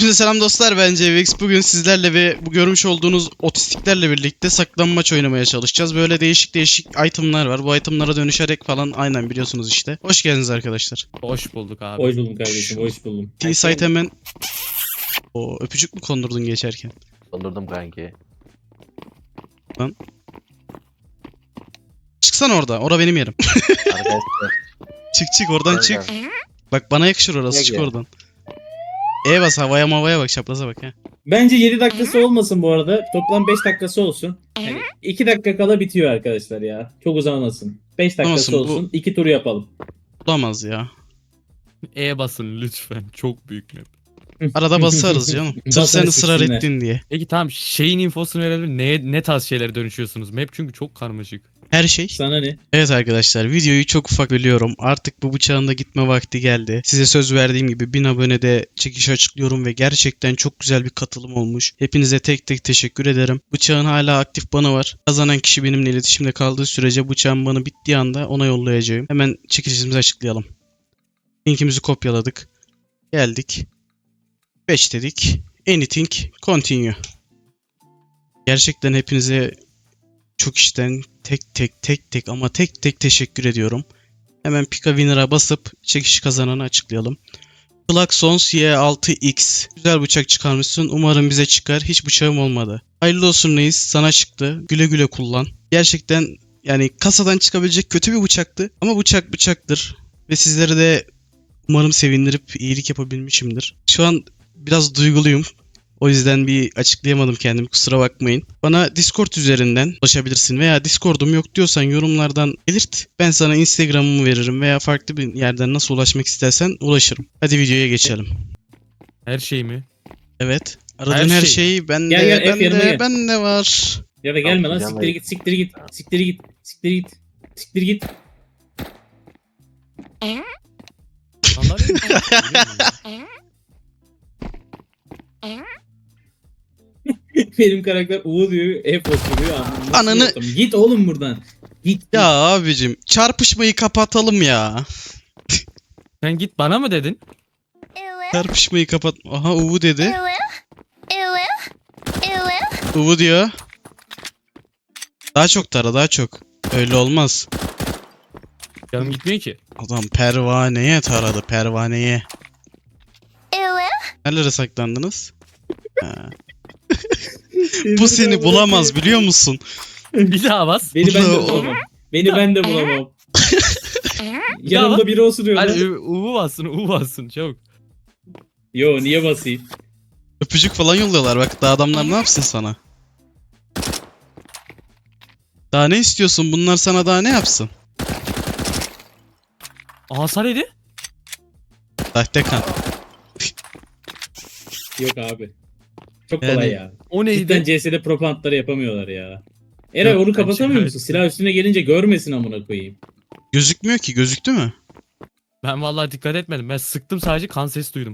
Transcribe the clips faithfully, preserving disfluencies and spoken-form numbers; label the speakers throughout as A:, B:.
A: Hepinize selam dostlar, ben C V X. Bugün sizlerle ve bu görmüş olduğunuz otistiklerle birlikte saklanmaç oynamaya çalışacağız. Böyle değişik değişik itemlar var. Bu itemlara dönüşerek falan, aynen biliyorsunuz işte. Hoş geldiniz arkadaşlar.
B: Hoş bulduk abi.
C: Hoş buldum kardeşim, hoş buldum.
A: T-Site hemen... O öpücük mü kondurdun geçerken?
D: Dondurdum kanki.
A: Lan. Çıksana orada, ora benim yerim.
D: Arkadaşlar.
A: Çık çık oradan
D: Gel,
A: çık.
D: gel.
A: Bak bana yakışır orası,
D: Gel,
A: çık
D: gel.
A: oradan. E bas, havaya mavaya bak, çapraza bak ya.
C: Bence yedi dakikası olmasın bu arada. Toplam beş dakikası olsun. Yani iki dakika kala bitiyor arkadaşlar ya. Çok uzamasın. beş dakikası
A: Olmasın, bu-
C: olsun. iki tur yapalım.
A: Olamaz ya.
B: E basın lütfen. Çok büyük map.
A: Arada basarız canım. Sırf
C: Basarız,
A: sen ısrar
C: siksinler.
A: ettin diye.
B: Peki tamam, şeyin infosunu verelim. Ne, ne tarz şeylere dönüşüyorsunuz? Map çünkü çok karmaşık.
A: Her şey.
C: Sana ne?
A: Evet arkadaşlar, videoyu çok ufak bölüyorum. Artık bu bıçağın da gitme vakti geldi. Size söz verdiğim gibi bin abonede çekiş açıklıyorum ve gerçekten çok güzel bir katılım olmuş. Hepinize tek tek teşekkür ederim. Bıçağın hala aktif banı var. Kazanan kişi benimle iletişimde kaldığı sürece bıçağın banı bittiği anda ona yollayacağım. Hemen çekilişimizi açıklayalım. Linkimizi kopyaladık. Geldik. beş dedik. Anything continue. Gerçekten hepinize çok içten tek tek tek tek ama tek tek teşekkür ediyorum. Hemen Pika Winner'a basıp çekiş kazananı açıklayalım. Klaxons Y altı X. Güzel bıçak çıkarmışsın. Umarım bize çıkar. Hiç bıçağım olmadı. Hayırlı olsun reis. Sana çıktı. Güle güle kullan. Gerçekten yani kasadan çıkabilecek kötü bir bıçaktı. Ama bıçak bıçaktır. Ve sizleri de umarım sevindirip iyilik yapabilmişimdir. Şu an biraz duyguluyum. O yüzden bir açıklayamadım kendimi, kusura bakmayın. Bana Discord üzerinden ulaşabilirsin veya Discord'um yok diyorsan yorumlardan belirt. Ben sana Instagram'ımı veririm veya farklı bir yerden nasıl ulaşmak istersen ulaşırım. Hadi videoya geçelim.
B: Her şey mi?
A: Evet. Aradığın her,
B: Her
A: şey,
B: şey.
A: bende,
C: Gel, gel, F yanıma
A: bende,
C: gel.
A: bende var.
C: Ya da gelme lan,
D: Tamam,
C: siktir git, siktir git, siktir git, siktir git, siktir git.
B: Sandalye mi? Biliyor musun?
C: Benim karakter U diyor, F oturuyor. Nasıl
A: Ananı-
C: yaptım? Git oğlum buradan. Git.
A: Ya abicim, çarpışmayı kapatalım ya.
B: Sen git bana mı dedin?
A: Çarpışmayı kapat. Aha, Uvu dedi. Uvu diyor. Daha çok tara, daha çok. Öyle olmaz.
B: Canım gitmiyor ki.
A: Adam pervaneye taradı, pervaneye. Nerelere saklandınız? Ha. Bu seni bulamaz biliyor musun?
B: Bir daha bas.
C: Beni ben de
A: Ulan-
C: bulamam. Beni ben de bulamam.
B: daha
C: Yanımda biri osuruyor
B: Hadi
C: lan.
B: U- U'u bassın, U bassın çabuk.
C: Yo, niye basayım?
A: Öpücük falan yolluyorlar, bak daha adamlar ne yapsın sana? Daha ne istiyorsun? Bunlar sana daha ne yapsın?
B: Hasar yedi.
A: Sahte kan.
C: Yok abi. Çok
A: Yani-
C: kolay ya.
B: O neydi?
C: Cidden C S'de propantları yapamıyorlar ya. Eray
B: Yok,
C: onu
B: ben
C: kapatamıyor
B: şikayet
C: musun? Silah üstüne gelince görmesin amına koyayım.
A: Gözükmüyor ki, gözüktü mü?
B: Ben vallahi dikkat etmedim. Ben sıktım, sadece kan sesi duydum.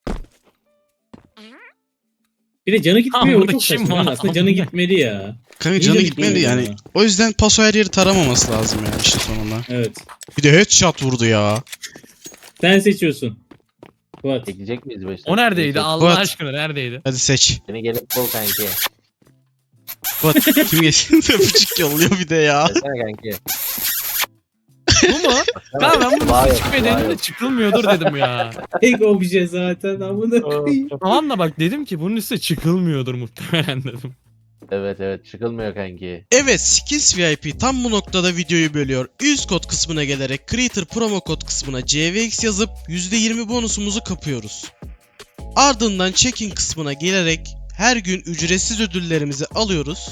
C: Bir de canı gitmiyor, o
B: Amına
C: çok
B: kim
C: saçma.
B: var?
C: lan. Aslında canı gitmeli ya.
A: Kanka
C: İyi
A: canı
C: de
A: gitmedi
C: gitmiyor
A: yani.
C: ya.
A: O yüzden paso her yeri taramaması lazım yani işte sonunda.
C: Evet.
A: Bir de headshot vurdu ya.
C: Sen seçiyorsun. Fuat.
D: Çekecek miyiz başta?
B: O neredeydi?
D: Çekecek.
B: Allah
A: What?
B: aşkına neredeydi?
A: Hadi seç.
D: Seni gelip bul kanki.
A: Bak kim geçti? Öpücük yolluyor bir de ya.
D: Gelsene kanki.
B: Bu mu? Kanka ben bunu
D: Vay,
B: çıkmıyor
D: vay.
B: dedim de çıkılmıyordur dedim ya.
C: Tek obje zaten amına koyayım.
B: Tamam da bak, dedim ki bunun üstüne çıkılmıyordur muhtemelen dedim.
D: Evet evet çıkılmıyor kanki.
A: Evet, Skins V I P tam bu noktada videoyu bölüyor. Üst kod kısmına gelerek Creator promo kod kısmına C V X yazıp yüzde yirmi bonusumuzu kapıyoruz. Ardından check-in kısmına gelerek her gün ücretsiz ödüllerimizi alıyoruz.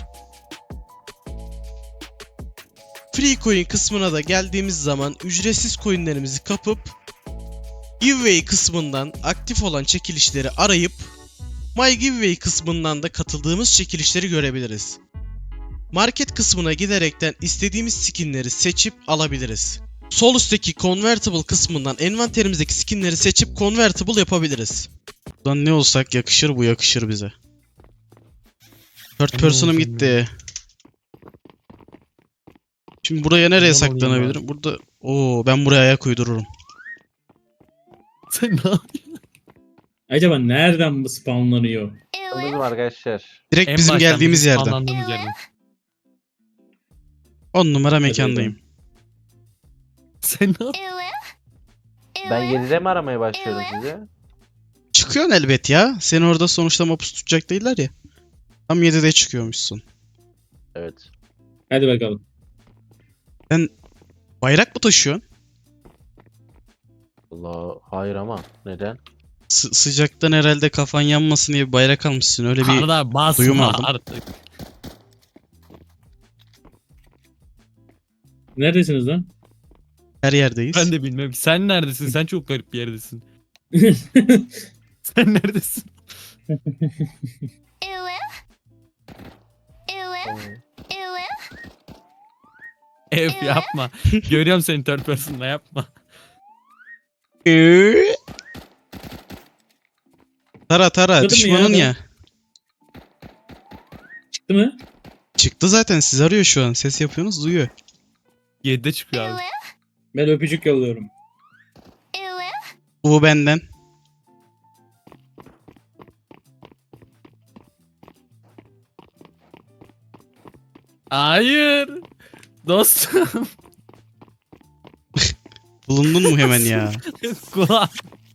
A: Free coin kısmına da geldiğimiz zaman ücretsiz coinlerimizi kapıp giveaway kısmından aktif olan çekilişleri arayıp My Giveaway kısmından da katıldığımız çekilişleri görebiliriz. Market kısmına giderekten istediğimiz skinleri seçip alabiliriz. Sol üstteki Convertible kısmından envanterimizdeki skinleri seçip Convertible yapabiliriz. Buradan ne olsak yakışır, bu yakışır bize. Third
B: Ne
A: person'ım
B: olacağım
A: gitti. Şimdi buraya nereye
B: Buradan alayım
A: saklanabilirim? Burada... Oo, ben buraya ayak uydururum.
B: Sen ne yapıyorsun?
C: Acaba nereden bu spawnlanıyor?
D: Anladın mı arkadaşlar?
A: Direkt
B: En
A: bizim
B: baştan
A: geldiğimiz
B: bizim
A: yerden.
B: spawnlandığımız yerden.
A: on numara mekandayım.
B: Sen ne yapıyorsun?
D: Ben yedide mi aramaya başlıyorum size?
A: Çıkıyorsun elbet ya. Seni orada sonuçta mapus tutacak değiller ya. Tam yedide çıkıyormuşsun.
D: Evet.
C: Hadi bakalım.
A: Bayrak mı taşıyorsun?
D: Allah hayır ama neden?
A: Sı- sıcaktan herhalde kafan yanmasın diye bir bayrak almışsın. Öyle bir
B: Arda basma
A: duyum aldım.
B: artık.
C: Neredesiniz lan?
A: her yerdeyiz.
B: Ben de bilmem. Sen neredesin? Sen çok garip bir yerdesin. Sen neredesin? Ev yapma. Görüyorum seni third person'da yapma.
A: Ee? Tara tara
C: Çıktı mı
A: düşmanın
C: ya
A: ya.
C: Çıktı mı?
A: Çıktı zaten, siz arıyor şu an. Ses yapıyorsunuz, duyuyor.
B: yedide çıkıyor abi.
C: Ben öpücük yolluyorum.
A: Bu benden.
B: Hayır. Dostum.
A: Bulundun mu hemen ya?
B: Kulağım.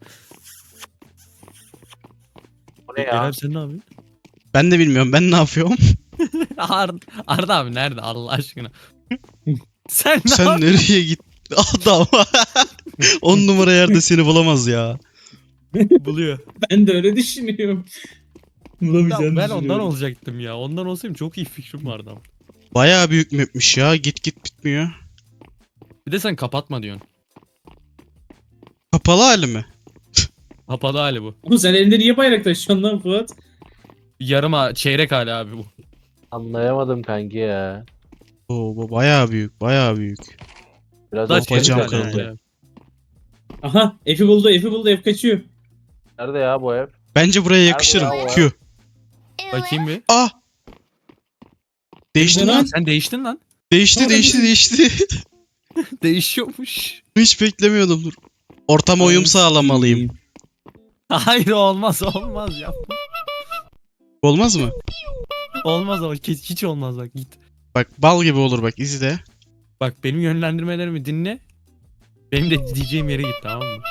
D: Bu ne ya?
B: Kerem sen ne yapıyorsun?
A: Ben de bilmiyorum, ben ne yapıyorum?
B: Arda, Arda abi nerede Allah aşkına? Sen ne
A: Sen
B: yapıyorsun?
A: nereye gittin? Adam. on numara yerde seni bulamaz ya.
B: Buluyor.
C: Ben de öyle düşünüyorum. Bulamayacağını
B: Ya ben
C: düşünüyorum.
B: ondan olacaktım ya. Ondan olsaydım çok iyi fikrim vardı ama.
A: Bayağı büyük mapmiş ya. Git git bitmiyor.
B: Bir de sen kapatma diyorsun.
A: Kapalı hali mi?
B: Kapalı hali bu.
C: Oğlum sen elinde niye bayrak taşıyorsun lan Fuat?
B: Yarım ha- çeyrek hali abi bu.
D: Anlayamadım kanki ya.
A: Oo, bu bayağı büyük, bayağı büyük.
D: Biraz
B: Daha
D: o
B: çeyrek
A: bacağım
B: hali
A: kırıldı.
B: yani.
C: Aha F'i buldu F'i buldu F kaçıyor.
D: Nerede ya bu ev?
A: Bence buraya yakışırım.
D: Nerede ya o
A: Q.
B: Bakayım bir.
A: Ah! Değişti
C: Nerede
A: lan.
C: lan?
B: Sen değiştin lan.
A: Değişti,
C: Nerede
A: değişti,
C: bu?
A: değişti.
B: Değişiyormuş.
A: Hiç beklemiyordum, dur. Ortama uyum sağlamalıyım.
B: Hayır olmaz olmaz yapma.
A: Olmaz mı?
B: Olmaz ama hiç hiç olmaz bak git.
A: Bak bal gibi olur, bak izle.
B: Bak benim yönlendirmelerimi dinle. Benim de diyeceğim yere git tamam mı?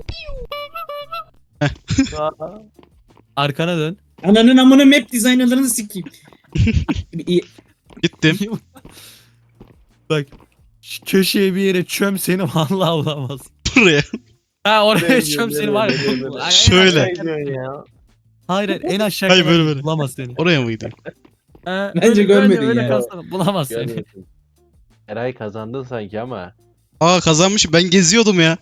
D: Aa,
B: Arkana dön.
C: Ananın amına map designerlarını sikeyim. İyi.
A: Gittim.
B: Bak şu köşeye bir yere çöm seni vallahi bulamaz.
A: Buraya.
B: Ha oraya
D: Nereye
B: çöm
D: gidiyor,
B: seni var
D: nereye
B: ya.
D: gidiyor, nereye?
B: Ay, en
A: Şöyle.
B: aşağı-
D: ne diyorsun ya?
B: Hayır hayır en aşağı
A: Hayır,
B: kadar
A: böyle, böyle.
B: bulamaz seni.
A: Oraya mı gideyim?
B: Ha,
C: Bence
B: öyle-
C: görmedin
B: öyle, öyle
C: ya.
B: kalsana, bulamaz seni.
D: Görmüyorsun. Eray kazandın sanki ama.
A: Aa, kazanmışım. Ben geziyordum ya.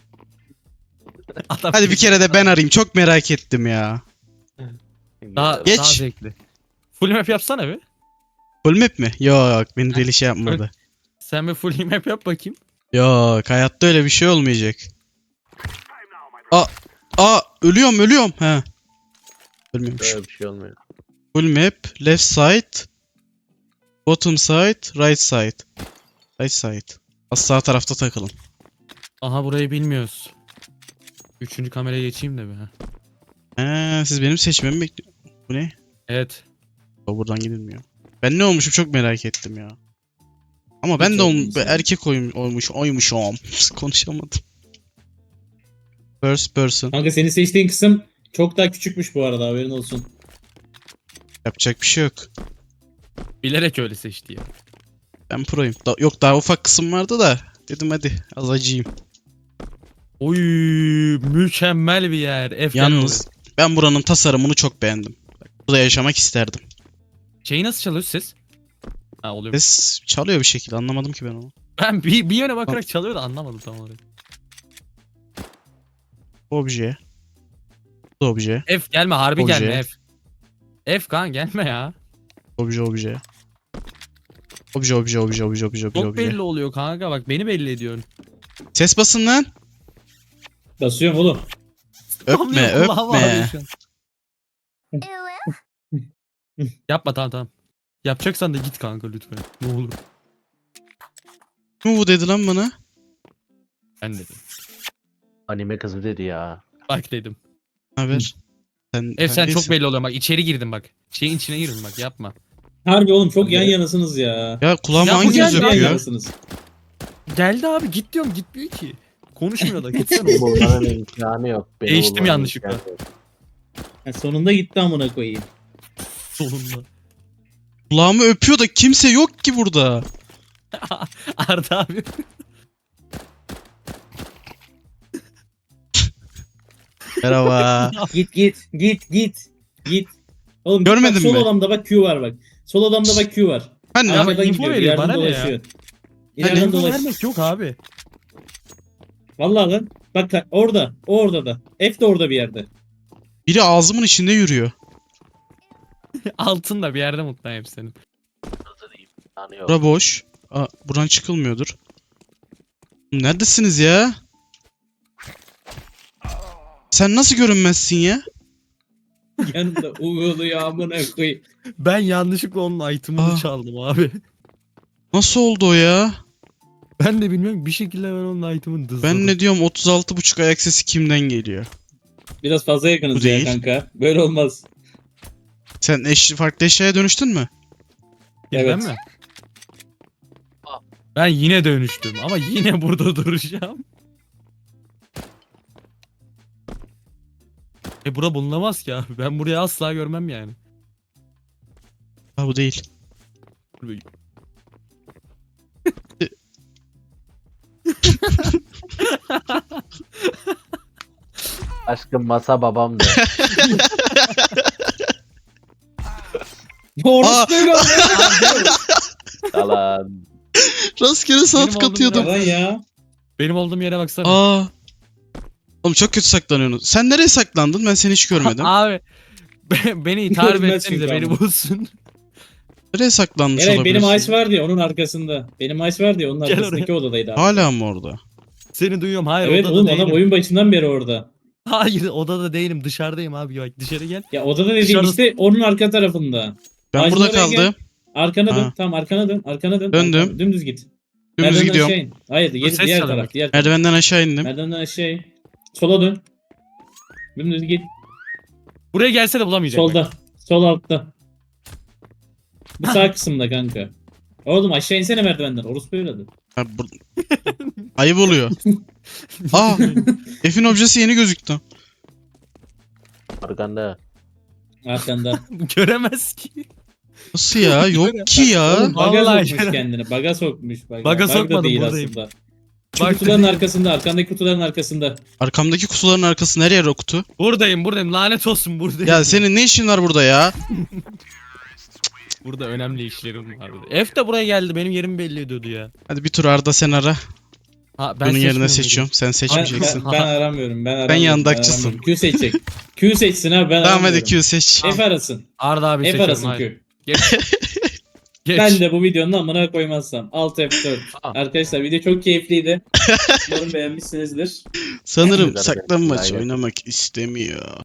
B: Adam
A: Hadi bir kere de ben arayayım. Çok merak ettim ya.
B: Daha,
A: Geç.
B: daha zevkli. Full map yapsana bir.
A: Full map mi? Yok, beni deli şey yapmadı.
B: Sen bir full map yap bakayım.
A: Yok, hayatta öyle bir şey olmayacak. Aa, aa ölüyorum, ölüyorum. He. Ölmüyormuş.
D: Böyle bir şey olmuyor.
A: Full map, left side, bottom side, right side. Right side. Az sağ tarafta takılın.
B: Aha burayı bilmiyoruz. Üçüncü kameraya geçeyim de bir. ha.
A: He, siz benim seçmemi bekliyorsunuz. Bu ne?
B: Evet.
A: O buradan gidilmiyor. Ben ne olmuşum çok merak ettim ya. Ama ben
C: Hiç
A: de ol-
C: olmamışsın.
A: erkek oyum, olmuş, oymuşum. Konuşamadım. First person.
C: Kanka senin seçtiğin kısım çok daha küçükmüş bu arada haberin olsun.
A: Yapacak bir şey yok.
B: Bilerek öyle seçti ya.
A: Ben proyum. Da- yok, daha ufak kısım vardı da. Dedim hadi az acıyım.
B: Oy mükemmel bir yer. F gel
A: Yalnız
B: oraya.
A: ben buranın tasarımını çok beğendim. Bak, burada yaşamak isterdim.
B: Şeyi nasıl çalıyor ses? Ha oluyor.
A: Ses çalıyor bir şekilde, anlamadım ki ben onu.
B: Ben bir, bir yöne bakarak çalıyor da anlamadım tam olarak.
A: Obje. Bu da obje.
B: F gelme harbi
A: Obje.
B: gelme F. F kan gelme ya.
A: Obje obje. Obje obje obje obje obje
B: Çok
A: obje.
B: belli oluyor kanka bak beni belli ediyorsun.
A: Ses basın lan.
C: Basıyorum oğlum.
A: Öpme
B: Kulağım ağrıyor
A: öpme.
B: şu an. Yapma tamam tamam. Yapacaksan da git kanka lütfen. Ne olur.
A: Kim bu dedi lan bana?
B: Ben dedim.
D: Anime kızı dedi ya.
B: Bak dedim.
A: Haber? Sen,
B: Ev sen
A: neredesin?
B: çok belli oluyor bak içeri girdim bak. Şeyin içine girdim bak yapma.
C: Harbi oğlum çok
B: Hadi.
C: yan yanasınız ya.
A: Ya kulağıma
B: Ya bu
A: hanginiz
B: geldi,
C: Yan
A: öpüyor?
C: yanasınız.
B: Geldi abi git diyorum gitmiyor ki. Konuşmuyor da gitsene.
D: Bulmanın imkanı yok. Beni
B: Değiştim
D: bulmanın
B: yanlışlıkla.
D: imkanı yok.
C: Ha, sonunda gitti amına koyayım.
B: Solunda.
A: Kulağımı öpüyor da kimse yok ki burada.
B: Arda abi.
A: Merhaba.
C: Git git git git. Git. Oğlum git
A: Görmedin
C: bak, sol
A: mi?
C: odamda bak Q var bak. Sol odamda bak Q var.
A: Ben
B: Ama
A: ne?
C: Arkadan
B: info
C: gidiyor.
B: veriyor,
C: İleriden
B: bana ne ya?
C: dolaşıyor.
A: Hani
C: İleriden
B: Info
C: dolaşıyor.
B: vermek yok abi.
C: Vallahi lan. Bak bak, orada. O orada da. F de orada bir yerde.
A: Biri ağzımın içinde yürüyor.
B: Altında bir yerde mutluyum hepsinin.
D: İmkanı yok.
A: Bura boş. Aa, buradan çıkılmıyordur. Neredesiniz ya? Sen nasıl görünmezsin ya?
C: Yanında uğuluyor amına koyayım.
B: Ben yanlışlıkla onun item'ını
A: Aa.
B: çaldım abi.
A: Nasıl oldu o ya?
B: Ben de bilmiyorum bir şekilde ben onun item'ını dızladım.
A: Ben ne diyorum otuz altı buçuk ayak sesi kimden geliyor?
C: Biraz fazla yakınız
A: Bu
C: ya
A: değil.
C: kanka. Böyle olmaz.
A: Sen eş, farklı eşyaya dönüştün mü?
B: Ya
C: Evet.
B: Ben mi? Ben yine dönüştüm ama yine burada duracağım. E bura bulunamaz ki abi. Ben burayı asla görmem yani.
A: Ha bu değil.
D: Aşkım masa babamdı.
C: Doğrusu böyle oldu.
D: Yalan.
A: Rastgele
B: Benim
A: saat
B: olduğum
A: katıyordum.
C: Yalan ya.
B: Benim olduğum yere baksana.
A: Aa. Oğlum çok kötü saklanıyorsun. Sen nereye saklandın? Ben seni hiç görmedim.
B: Abi be- beni tarif
C: Görmez
B: etsenize
C: çünkü
B: beni
C: ama.
B: bulsun.
A: Nereye saklanmış
C: Evet
A: olabilirsin?
C: benim Ice var diye onun arkasında. Benim Ice var diye onun
B: Gel
C: arkasındaki odadaydı abi.
A: Hala mı orada?
B: Seni duyuyorum. Hayır
C: Evet
B: odada
C: oğlum
B: değilim.
C: adam oyun başından beri orada.
B: Hayır odada değilim. Dışarıdayım abi. Bak dışarı gel.
C: Ya odada dediğim
B: Dışarıda-
C: işte onun arka tarafında.
A: Ben
C: Ağacın
A: burada
C: oraya gel.
A: kaldım.
C: Arkana dön.
A: Ha.
C: Tamam arkana dön. Arkana dön.
A: Döndüm.
C: Arkana- Dümdüz git.
A: Dümdüz
C: Merdivenden
A: gidiyorum.
C: aşağı in. Hayır diğer,
B: ses
C: diğer
B: çalıyor
C: taraf.
B: bak.
C: Diğer taraf.
A: Merdivenden aşağı indim.
C: Merdivenden aşağı in. Sola dön. Dümdüz git.
B: Buraya gelse de bulamayacak. bak.
C: Solda. Sol altta. Bu sağ kısımda kanka. Oğlum aşağı insene merdivenden. Orospu evladı.
A: Ha, bu... Ayıp oluyor. Aa, F'in objesi yeni gözüktü.
D: Arkanda.
C: Arkanda.
B: Göremez ki.
A: Nasıl ya? Yok ki ya.
C: Oğlum baga
B: Vallahi
C: sokmuş
B: canım.
C: kendini. Baga sokmuş. Baga,
B: Baga
C: Bug da
B: sokmadım,
C: değil
B: buradayım.
C: aslında. Şu
B: Bak
C: kutuların
B: dedim.
C: arkasında. Arkandaki kutuların arkasında.
A: Arkamdaki kutuların arkası nereye o kutu?
B: Buradayım buradayım. Lanet olsun buradayım.
A: Ya senin ne işin var burada ya?
B: Burada önemli işlerim vardı. F de buraya geldi. Benim yerimi belli ediyordu ya.
A: Hadi bir tur Arda sen ara.
B: Ha,
A: Bunun yerine
B: seçmiyorum
A: seçiyorum. Sen
C: Ben,
A: seçmeyeceksin.
C: ben, ben aramıyorum. Ben aramıyorum.
A: yandakçısın.
C: aramıyorum. Q seçecek. Q seçsin abi ben
A: Tamam
C: aramıyorum.
A: hadi Q seç.
C: F arasın.
B: bunu. Arda abi
C: F
B: seçiyorum.
C: arasın
B: Hayır.
C: Q.
B: Geç. Geç.
C: Ben de bu videonun amına koymazsam. Alt F dört.
B: Aa.
C: Arkadaşlar video çok keyifliydi. Umarım beğenmişsinizdir.
A: Sanırım
D: Güzel,
A: saklanmaç
D: güzel.
A: oynamak istemiyor.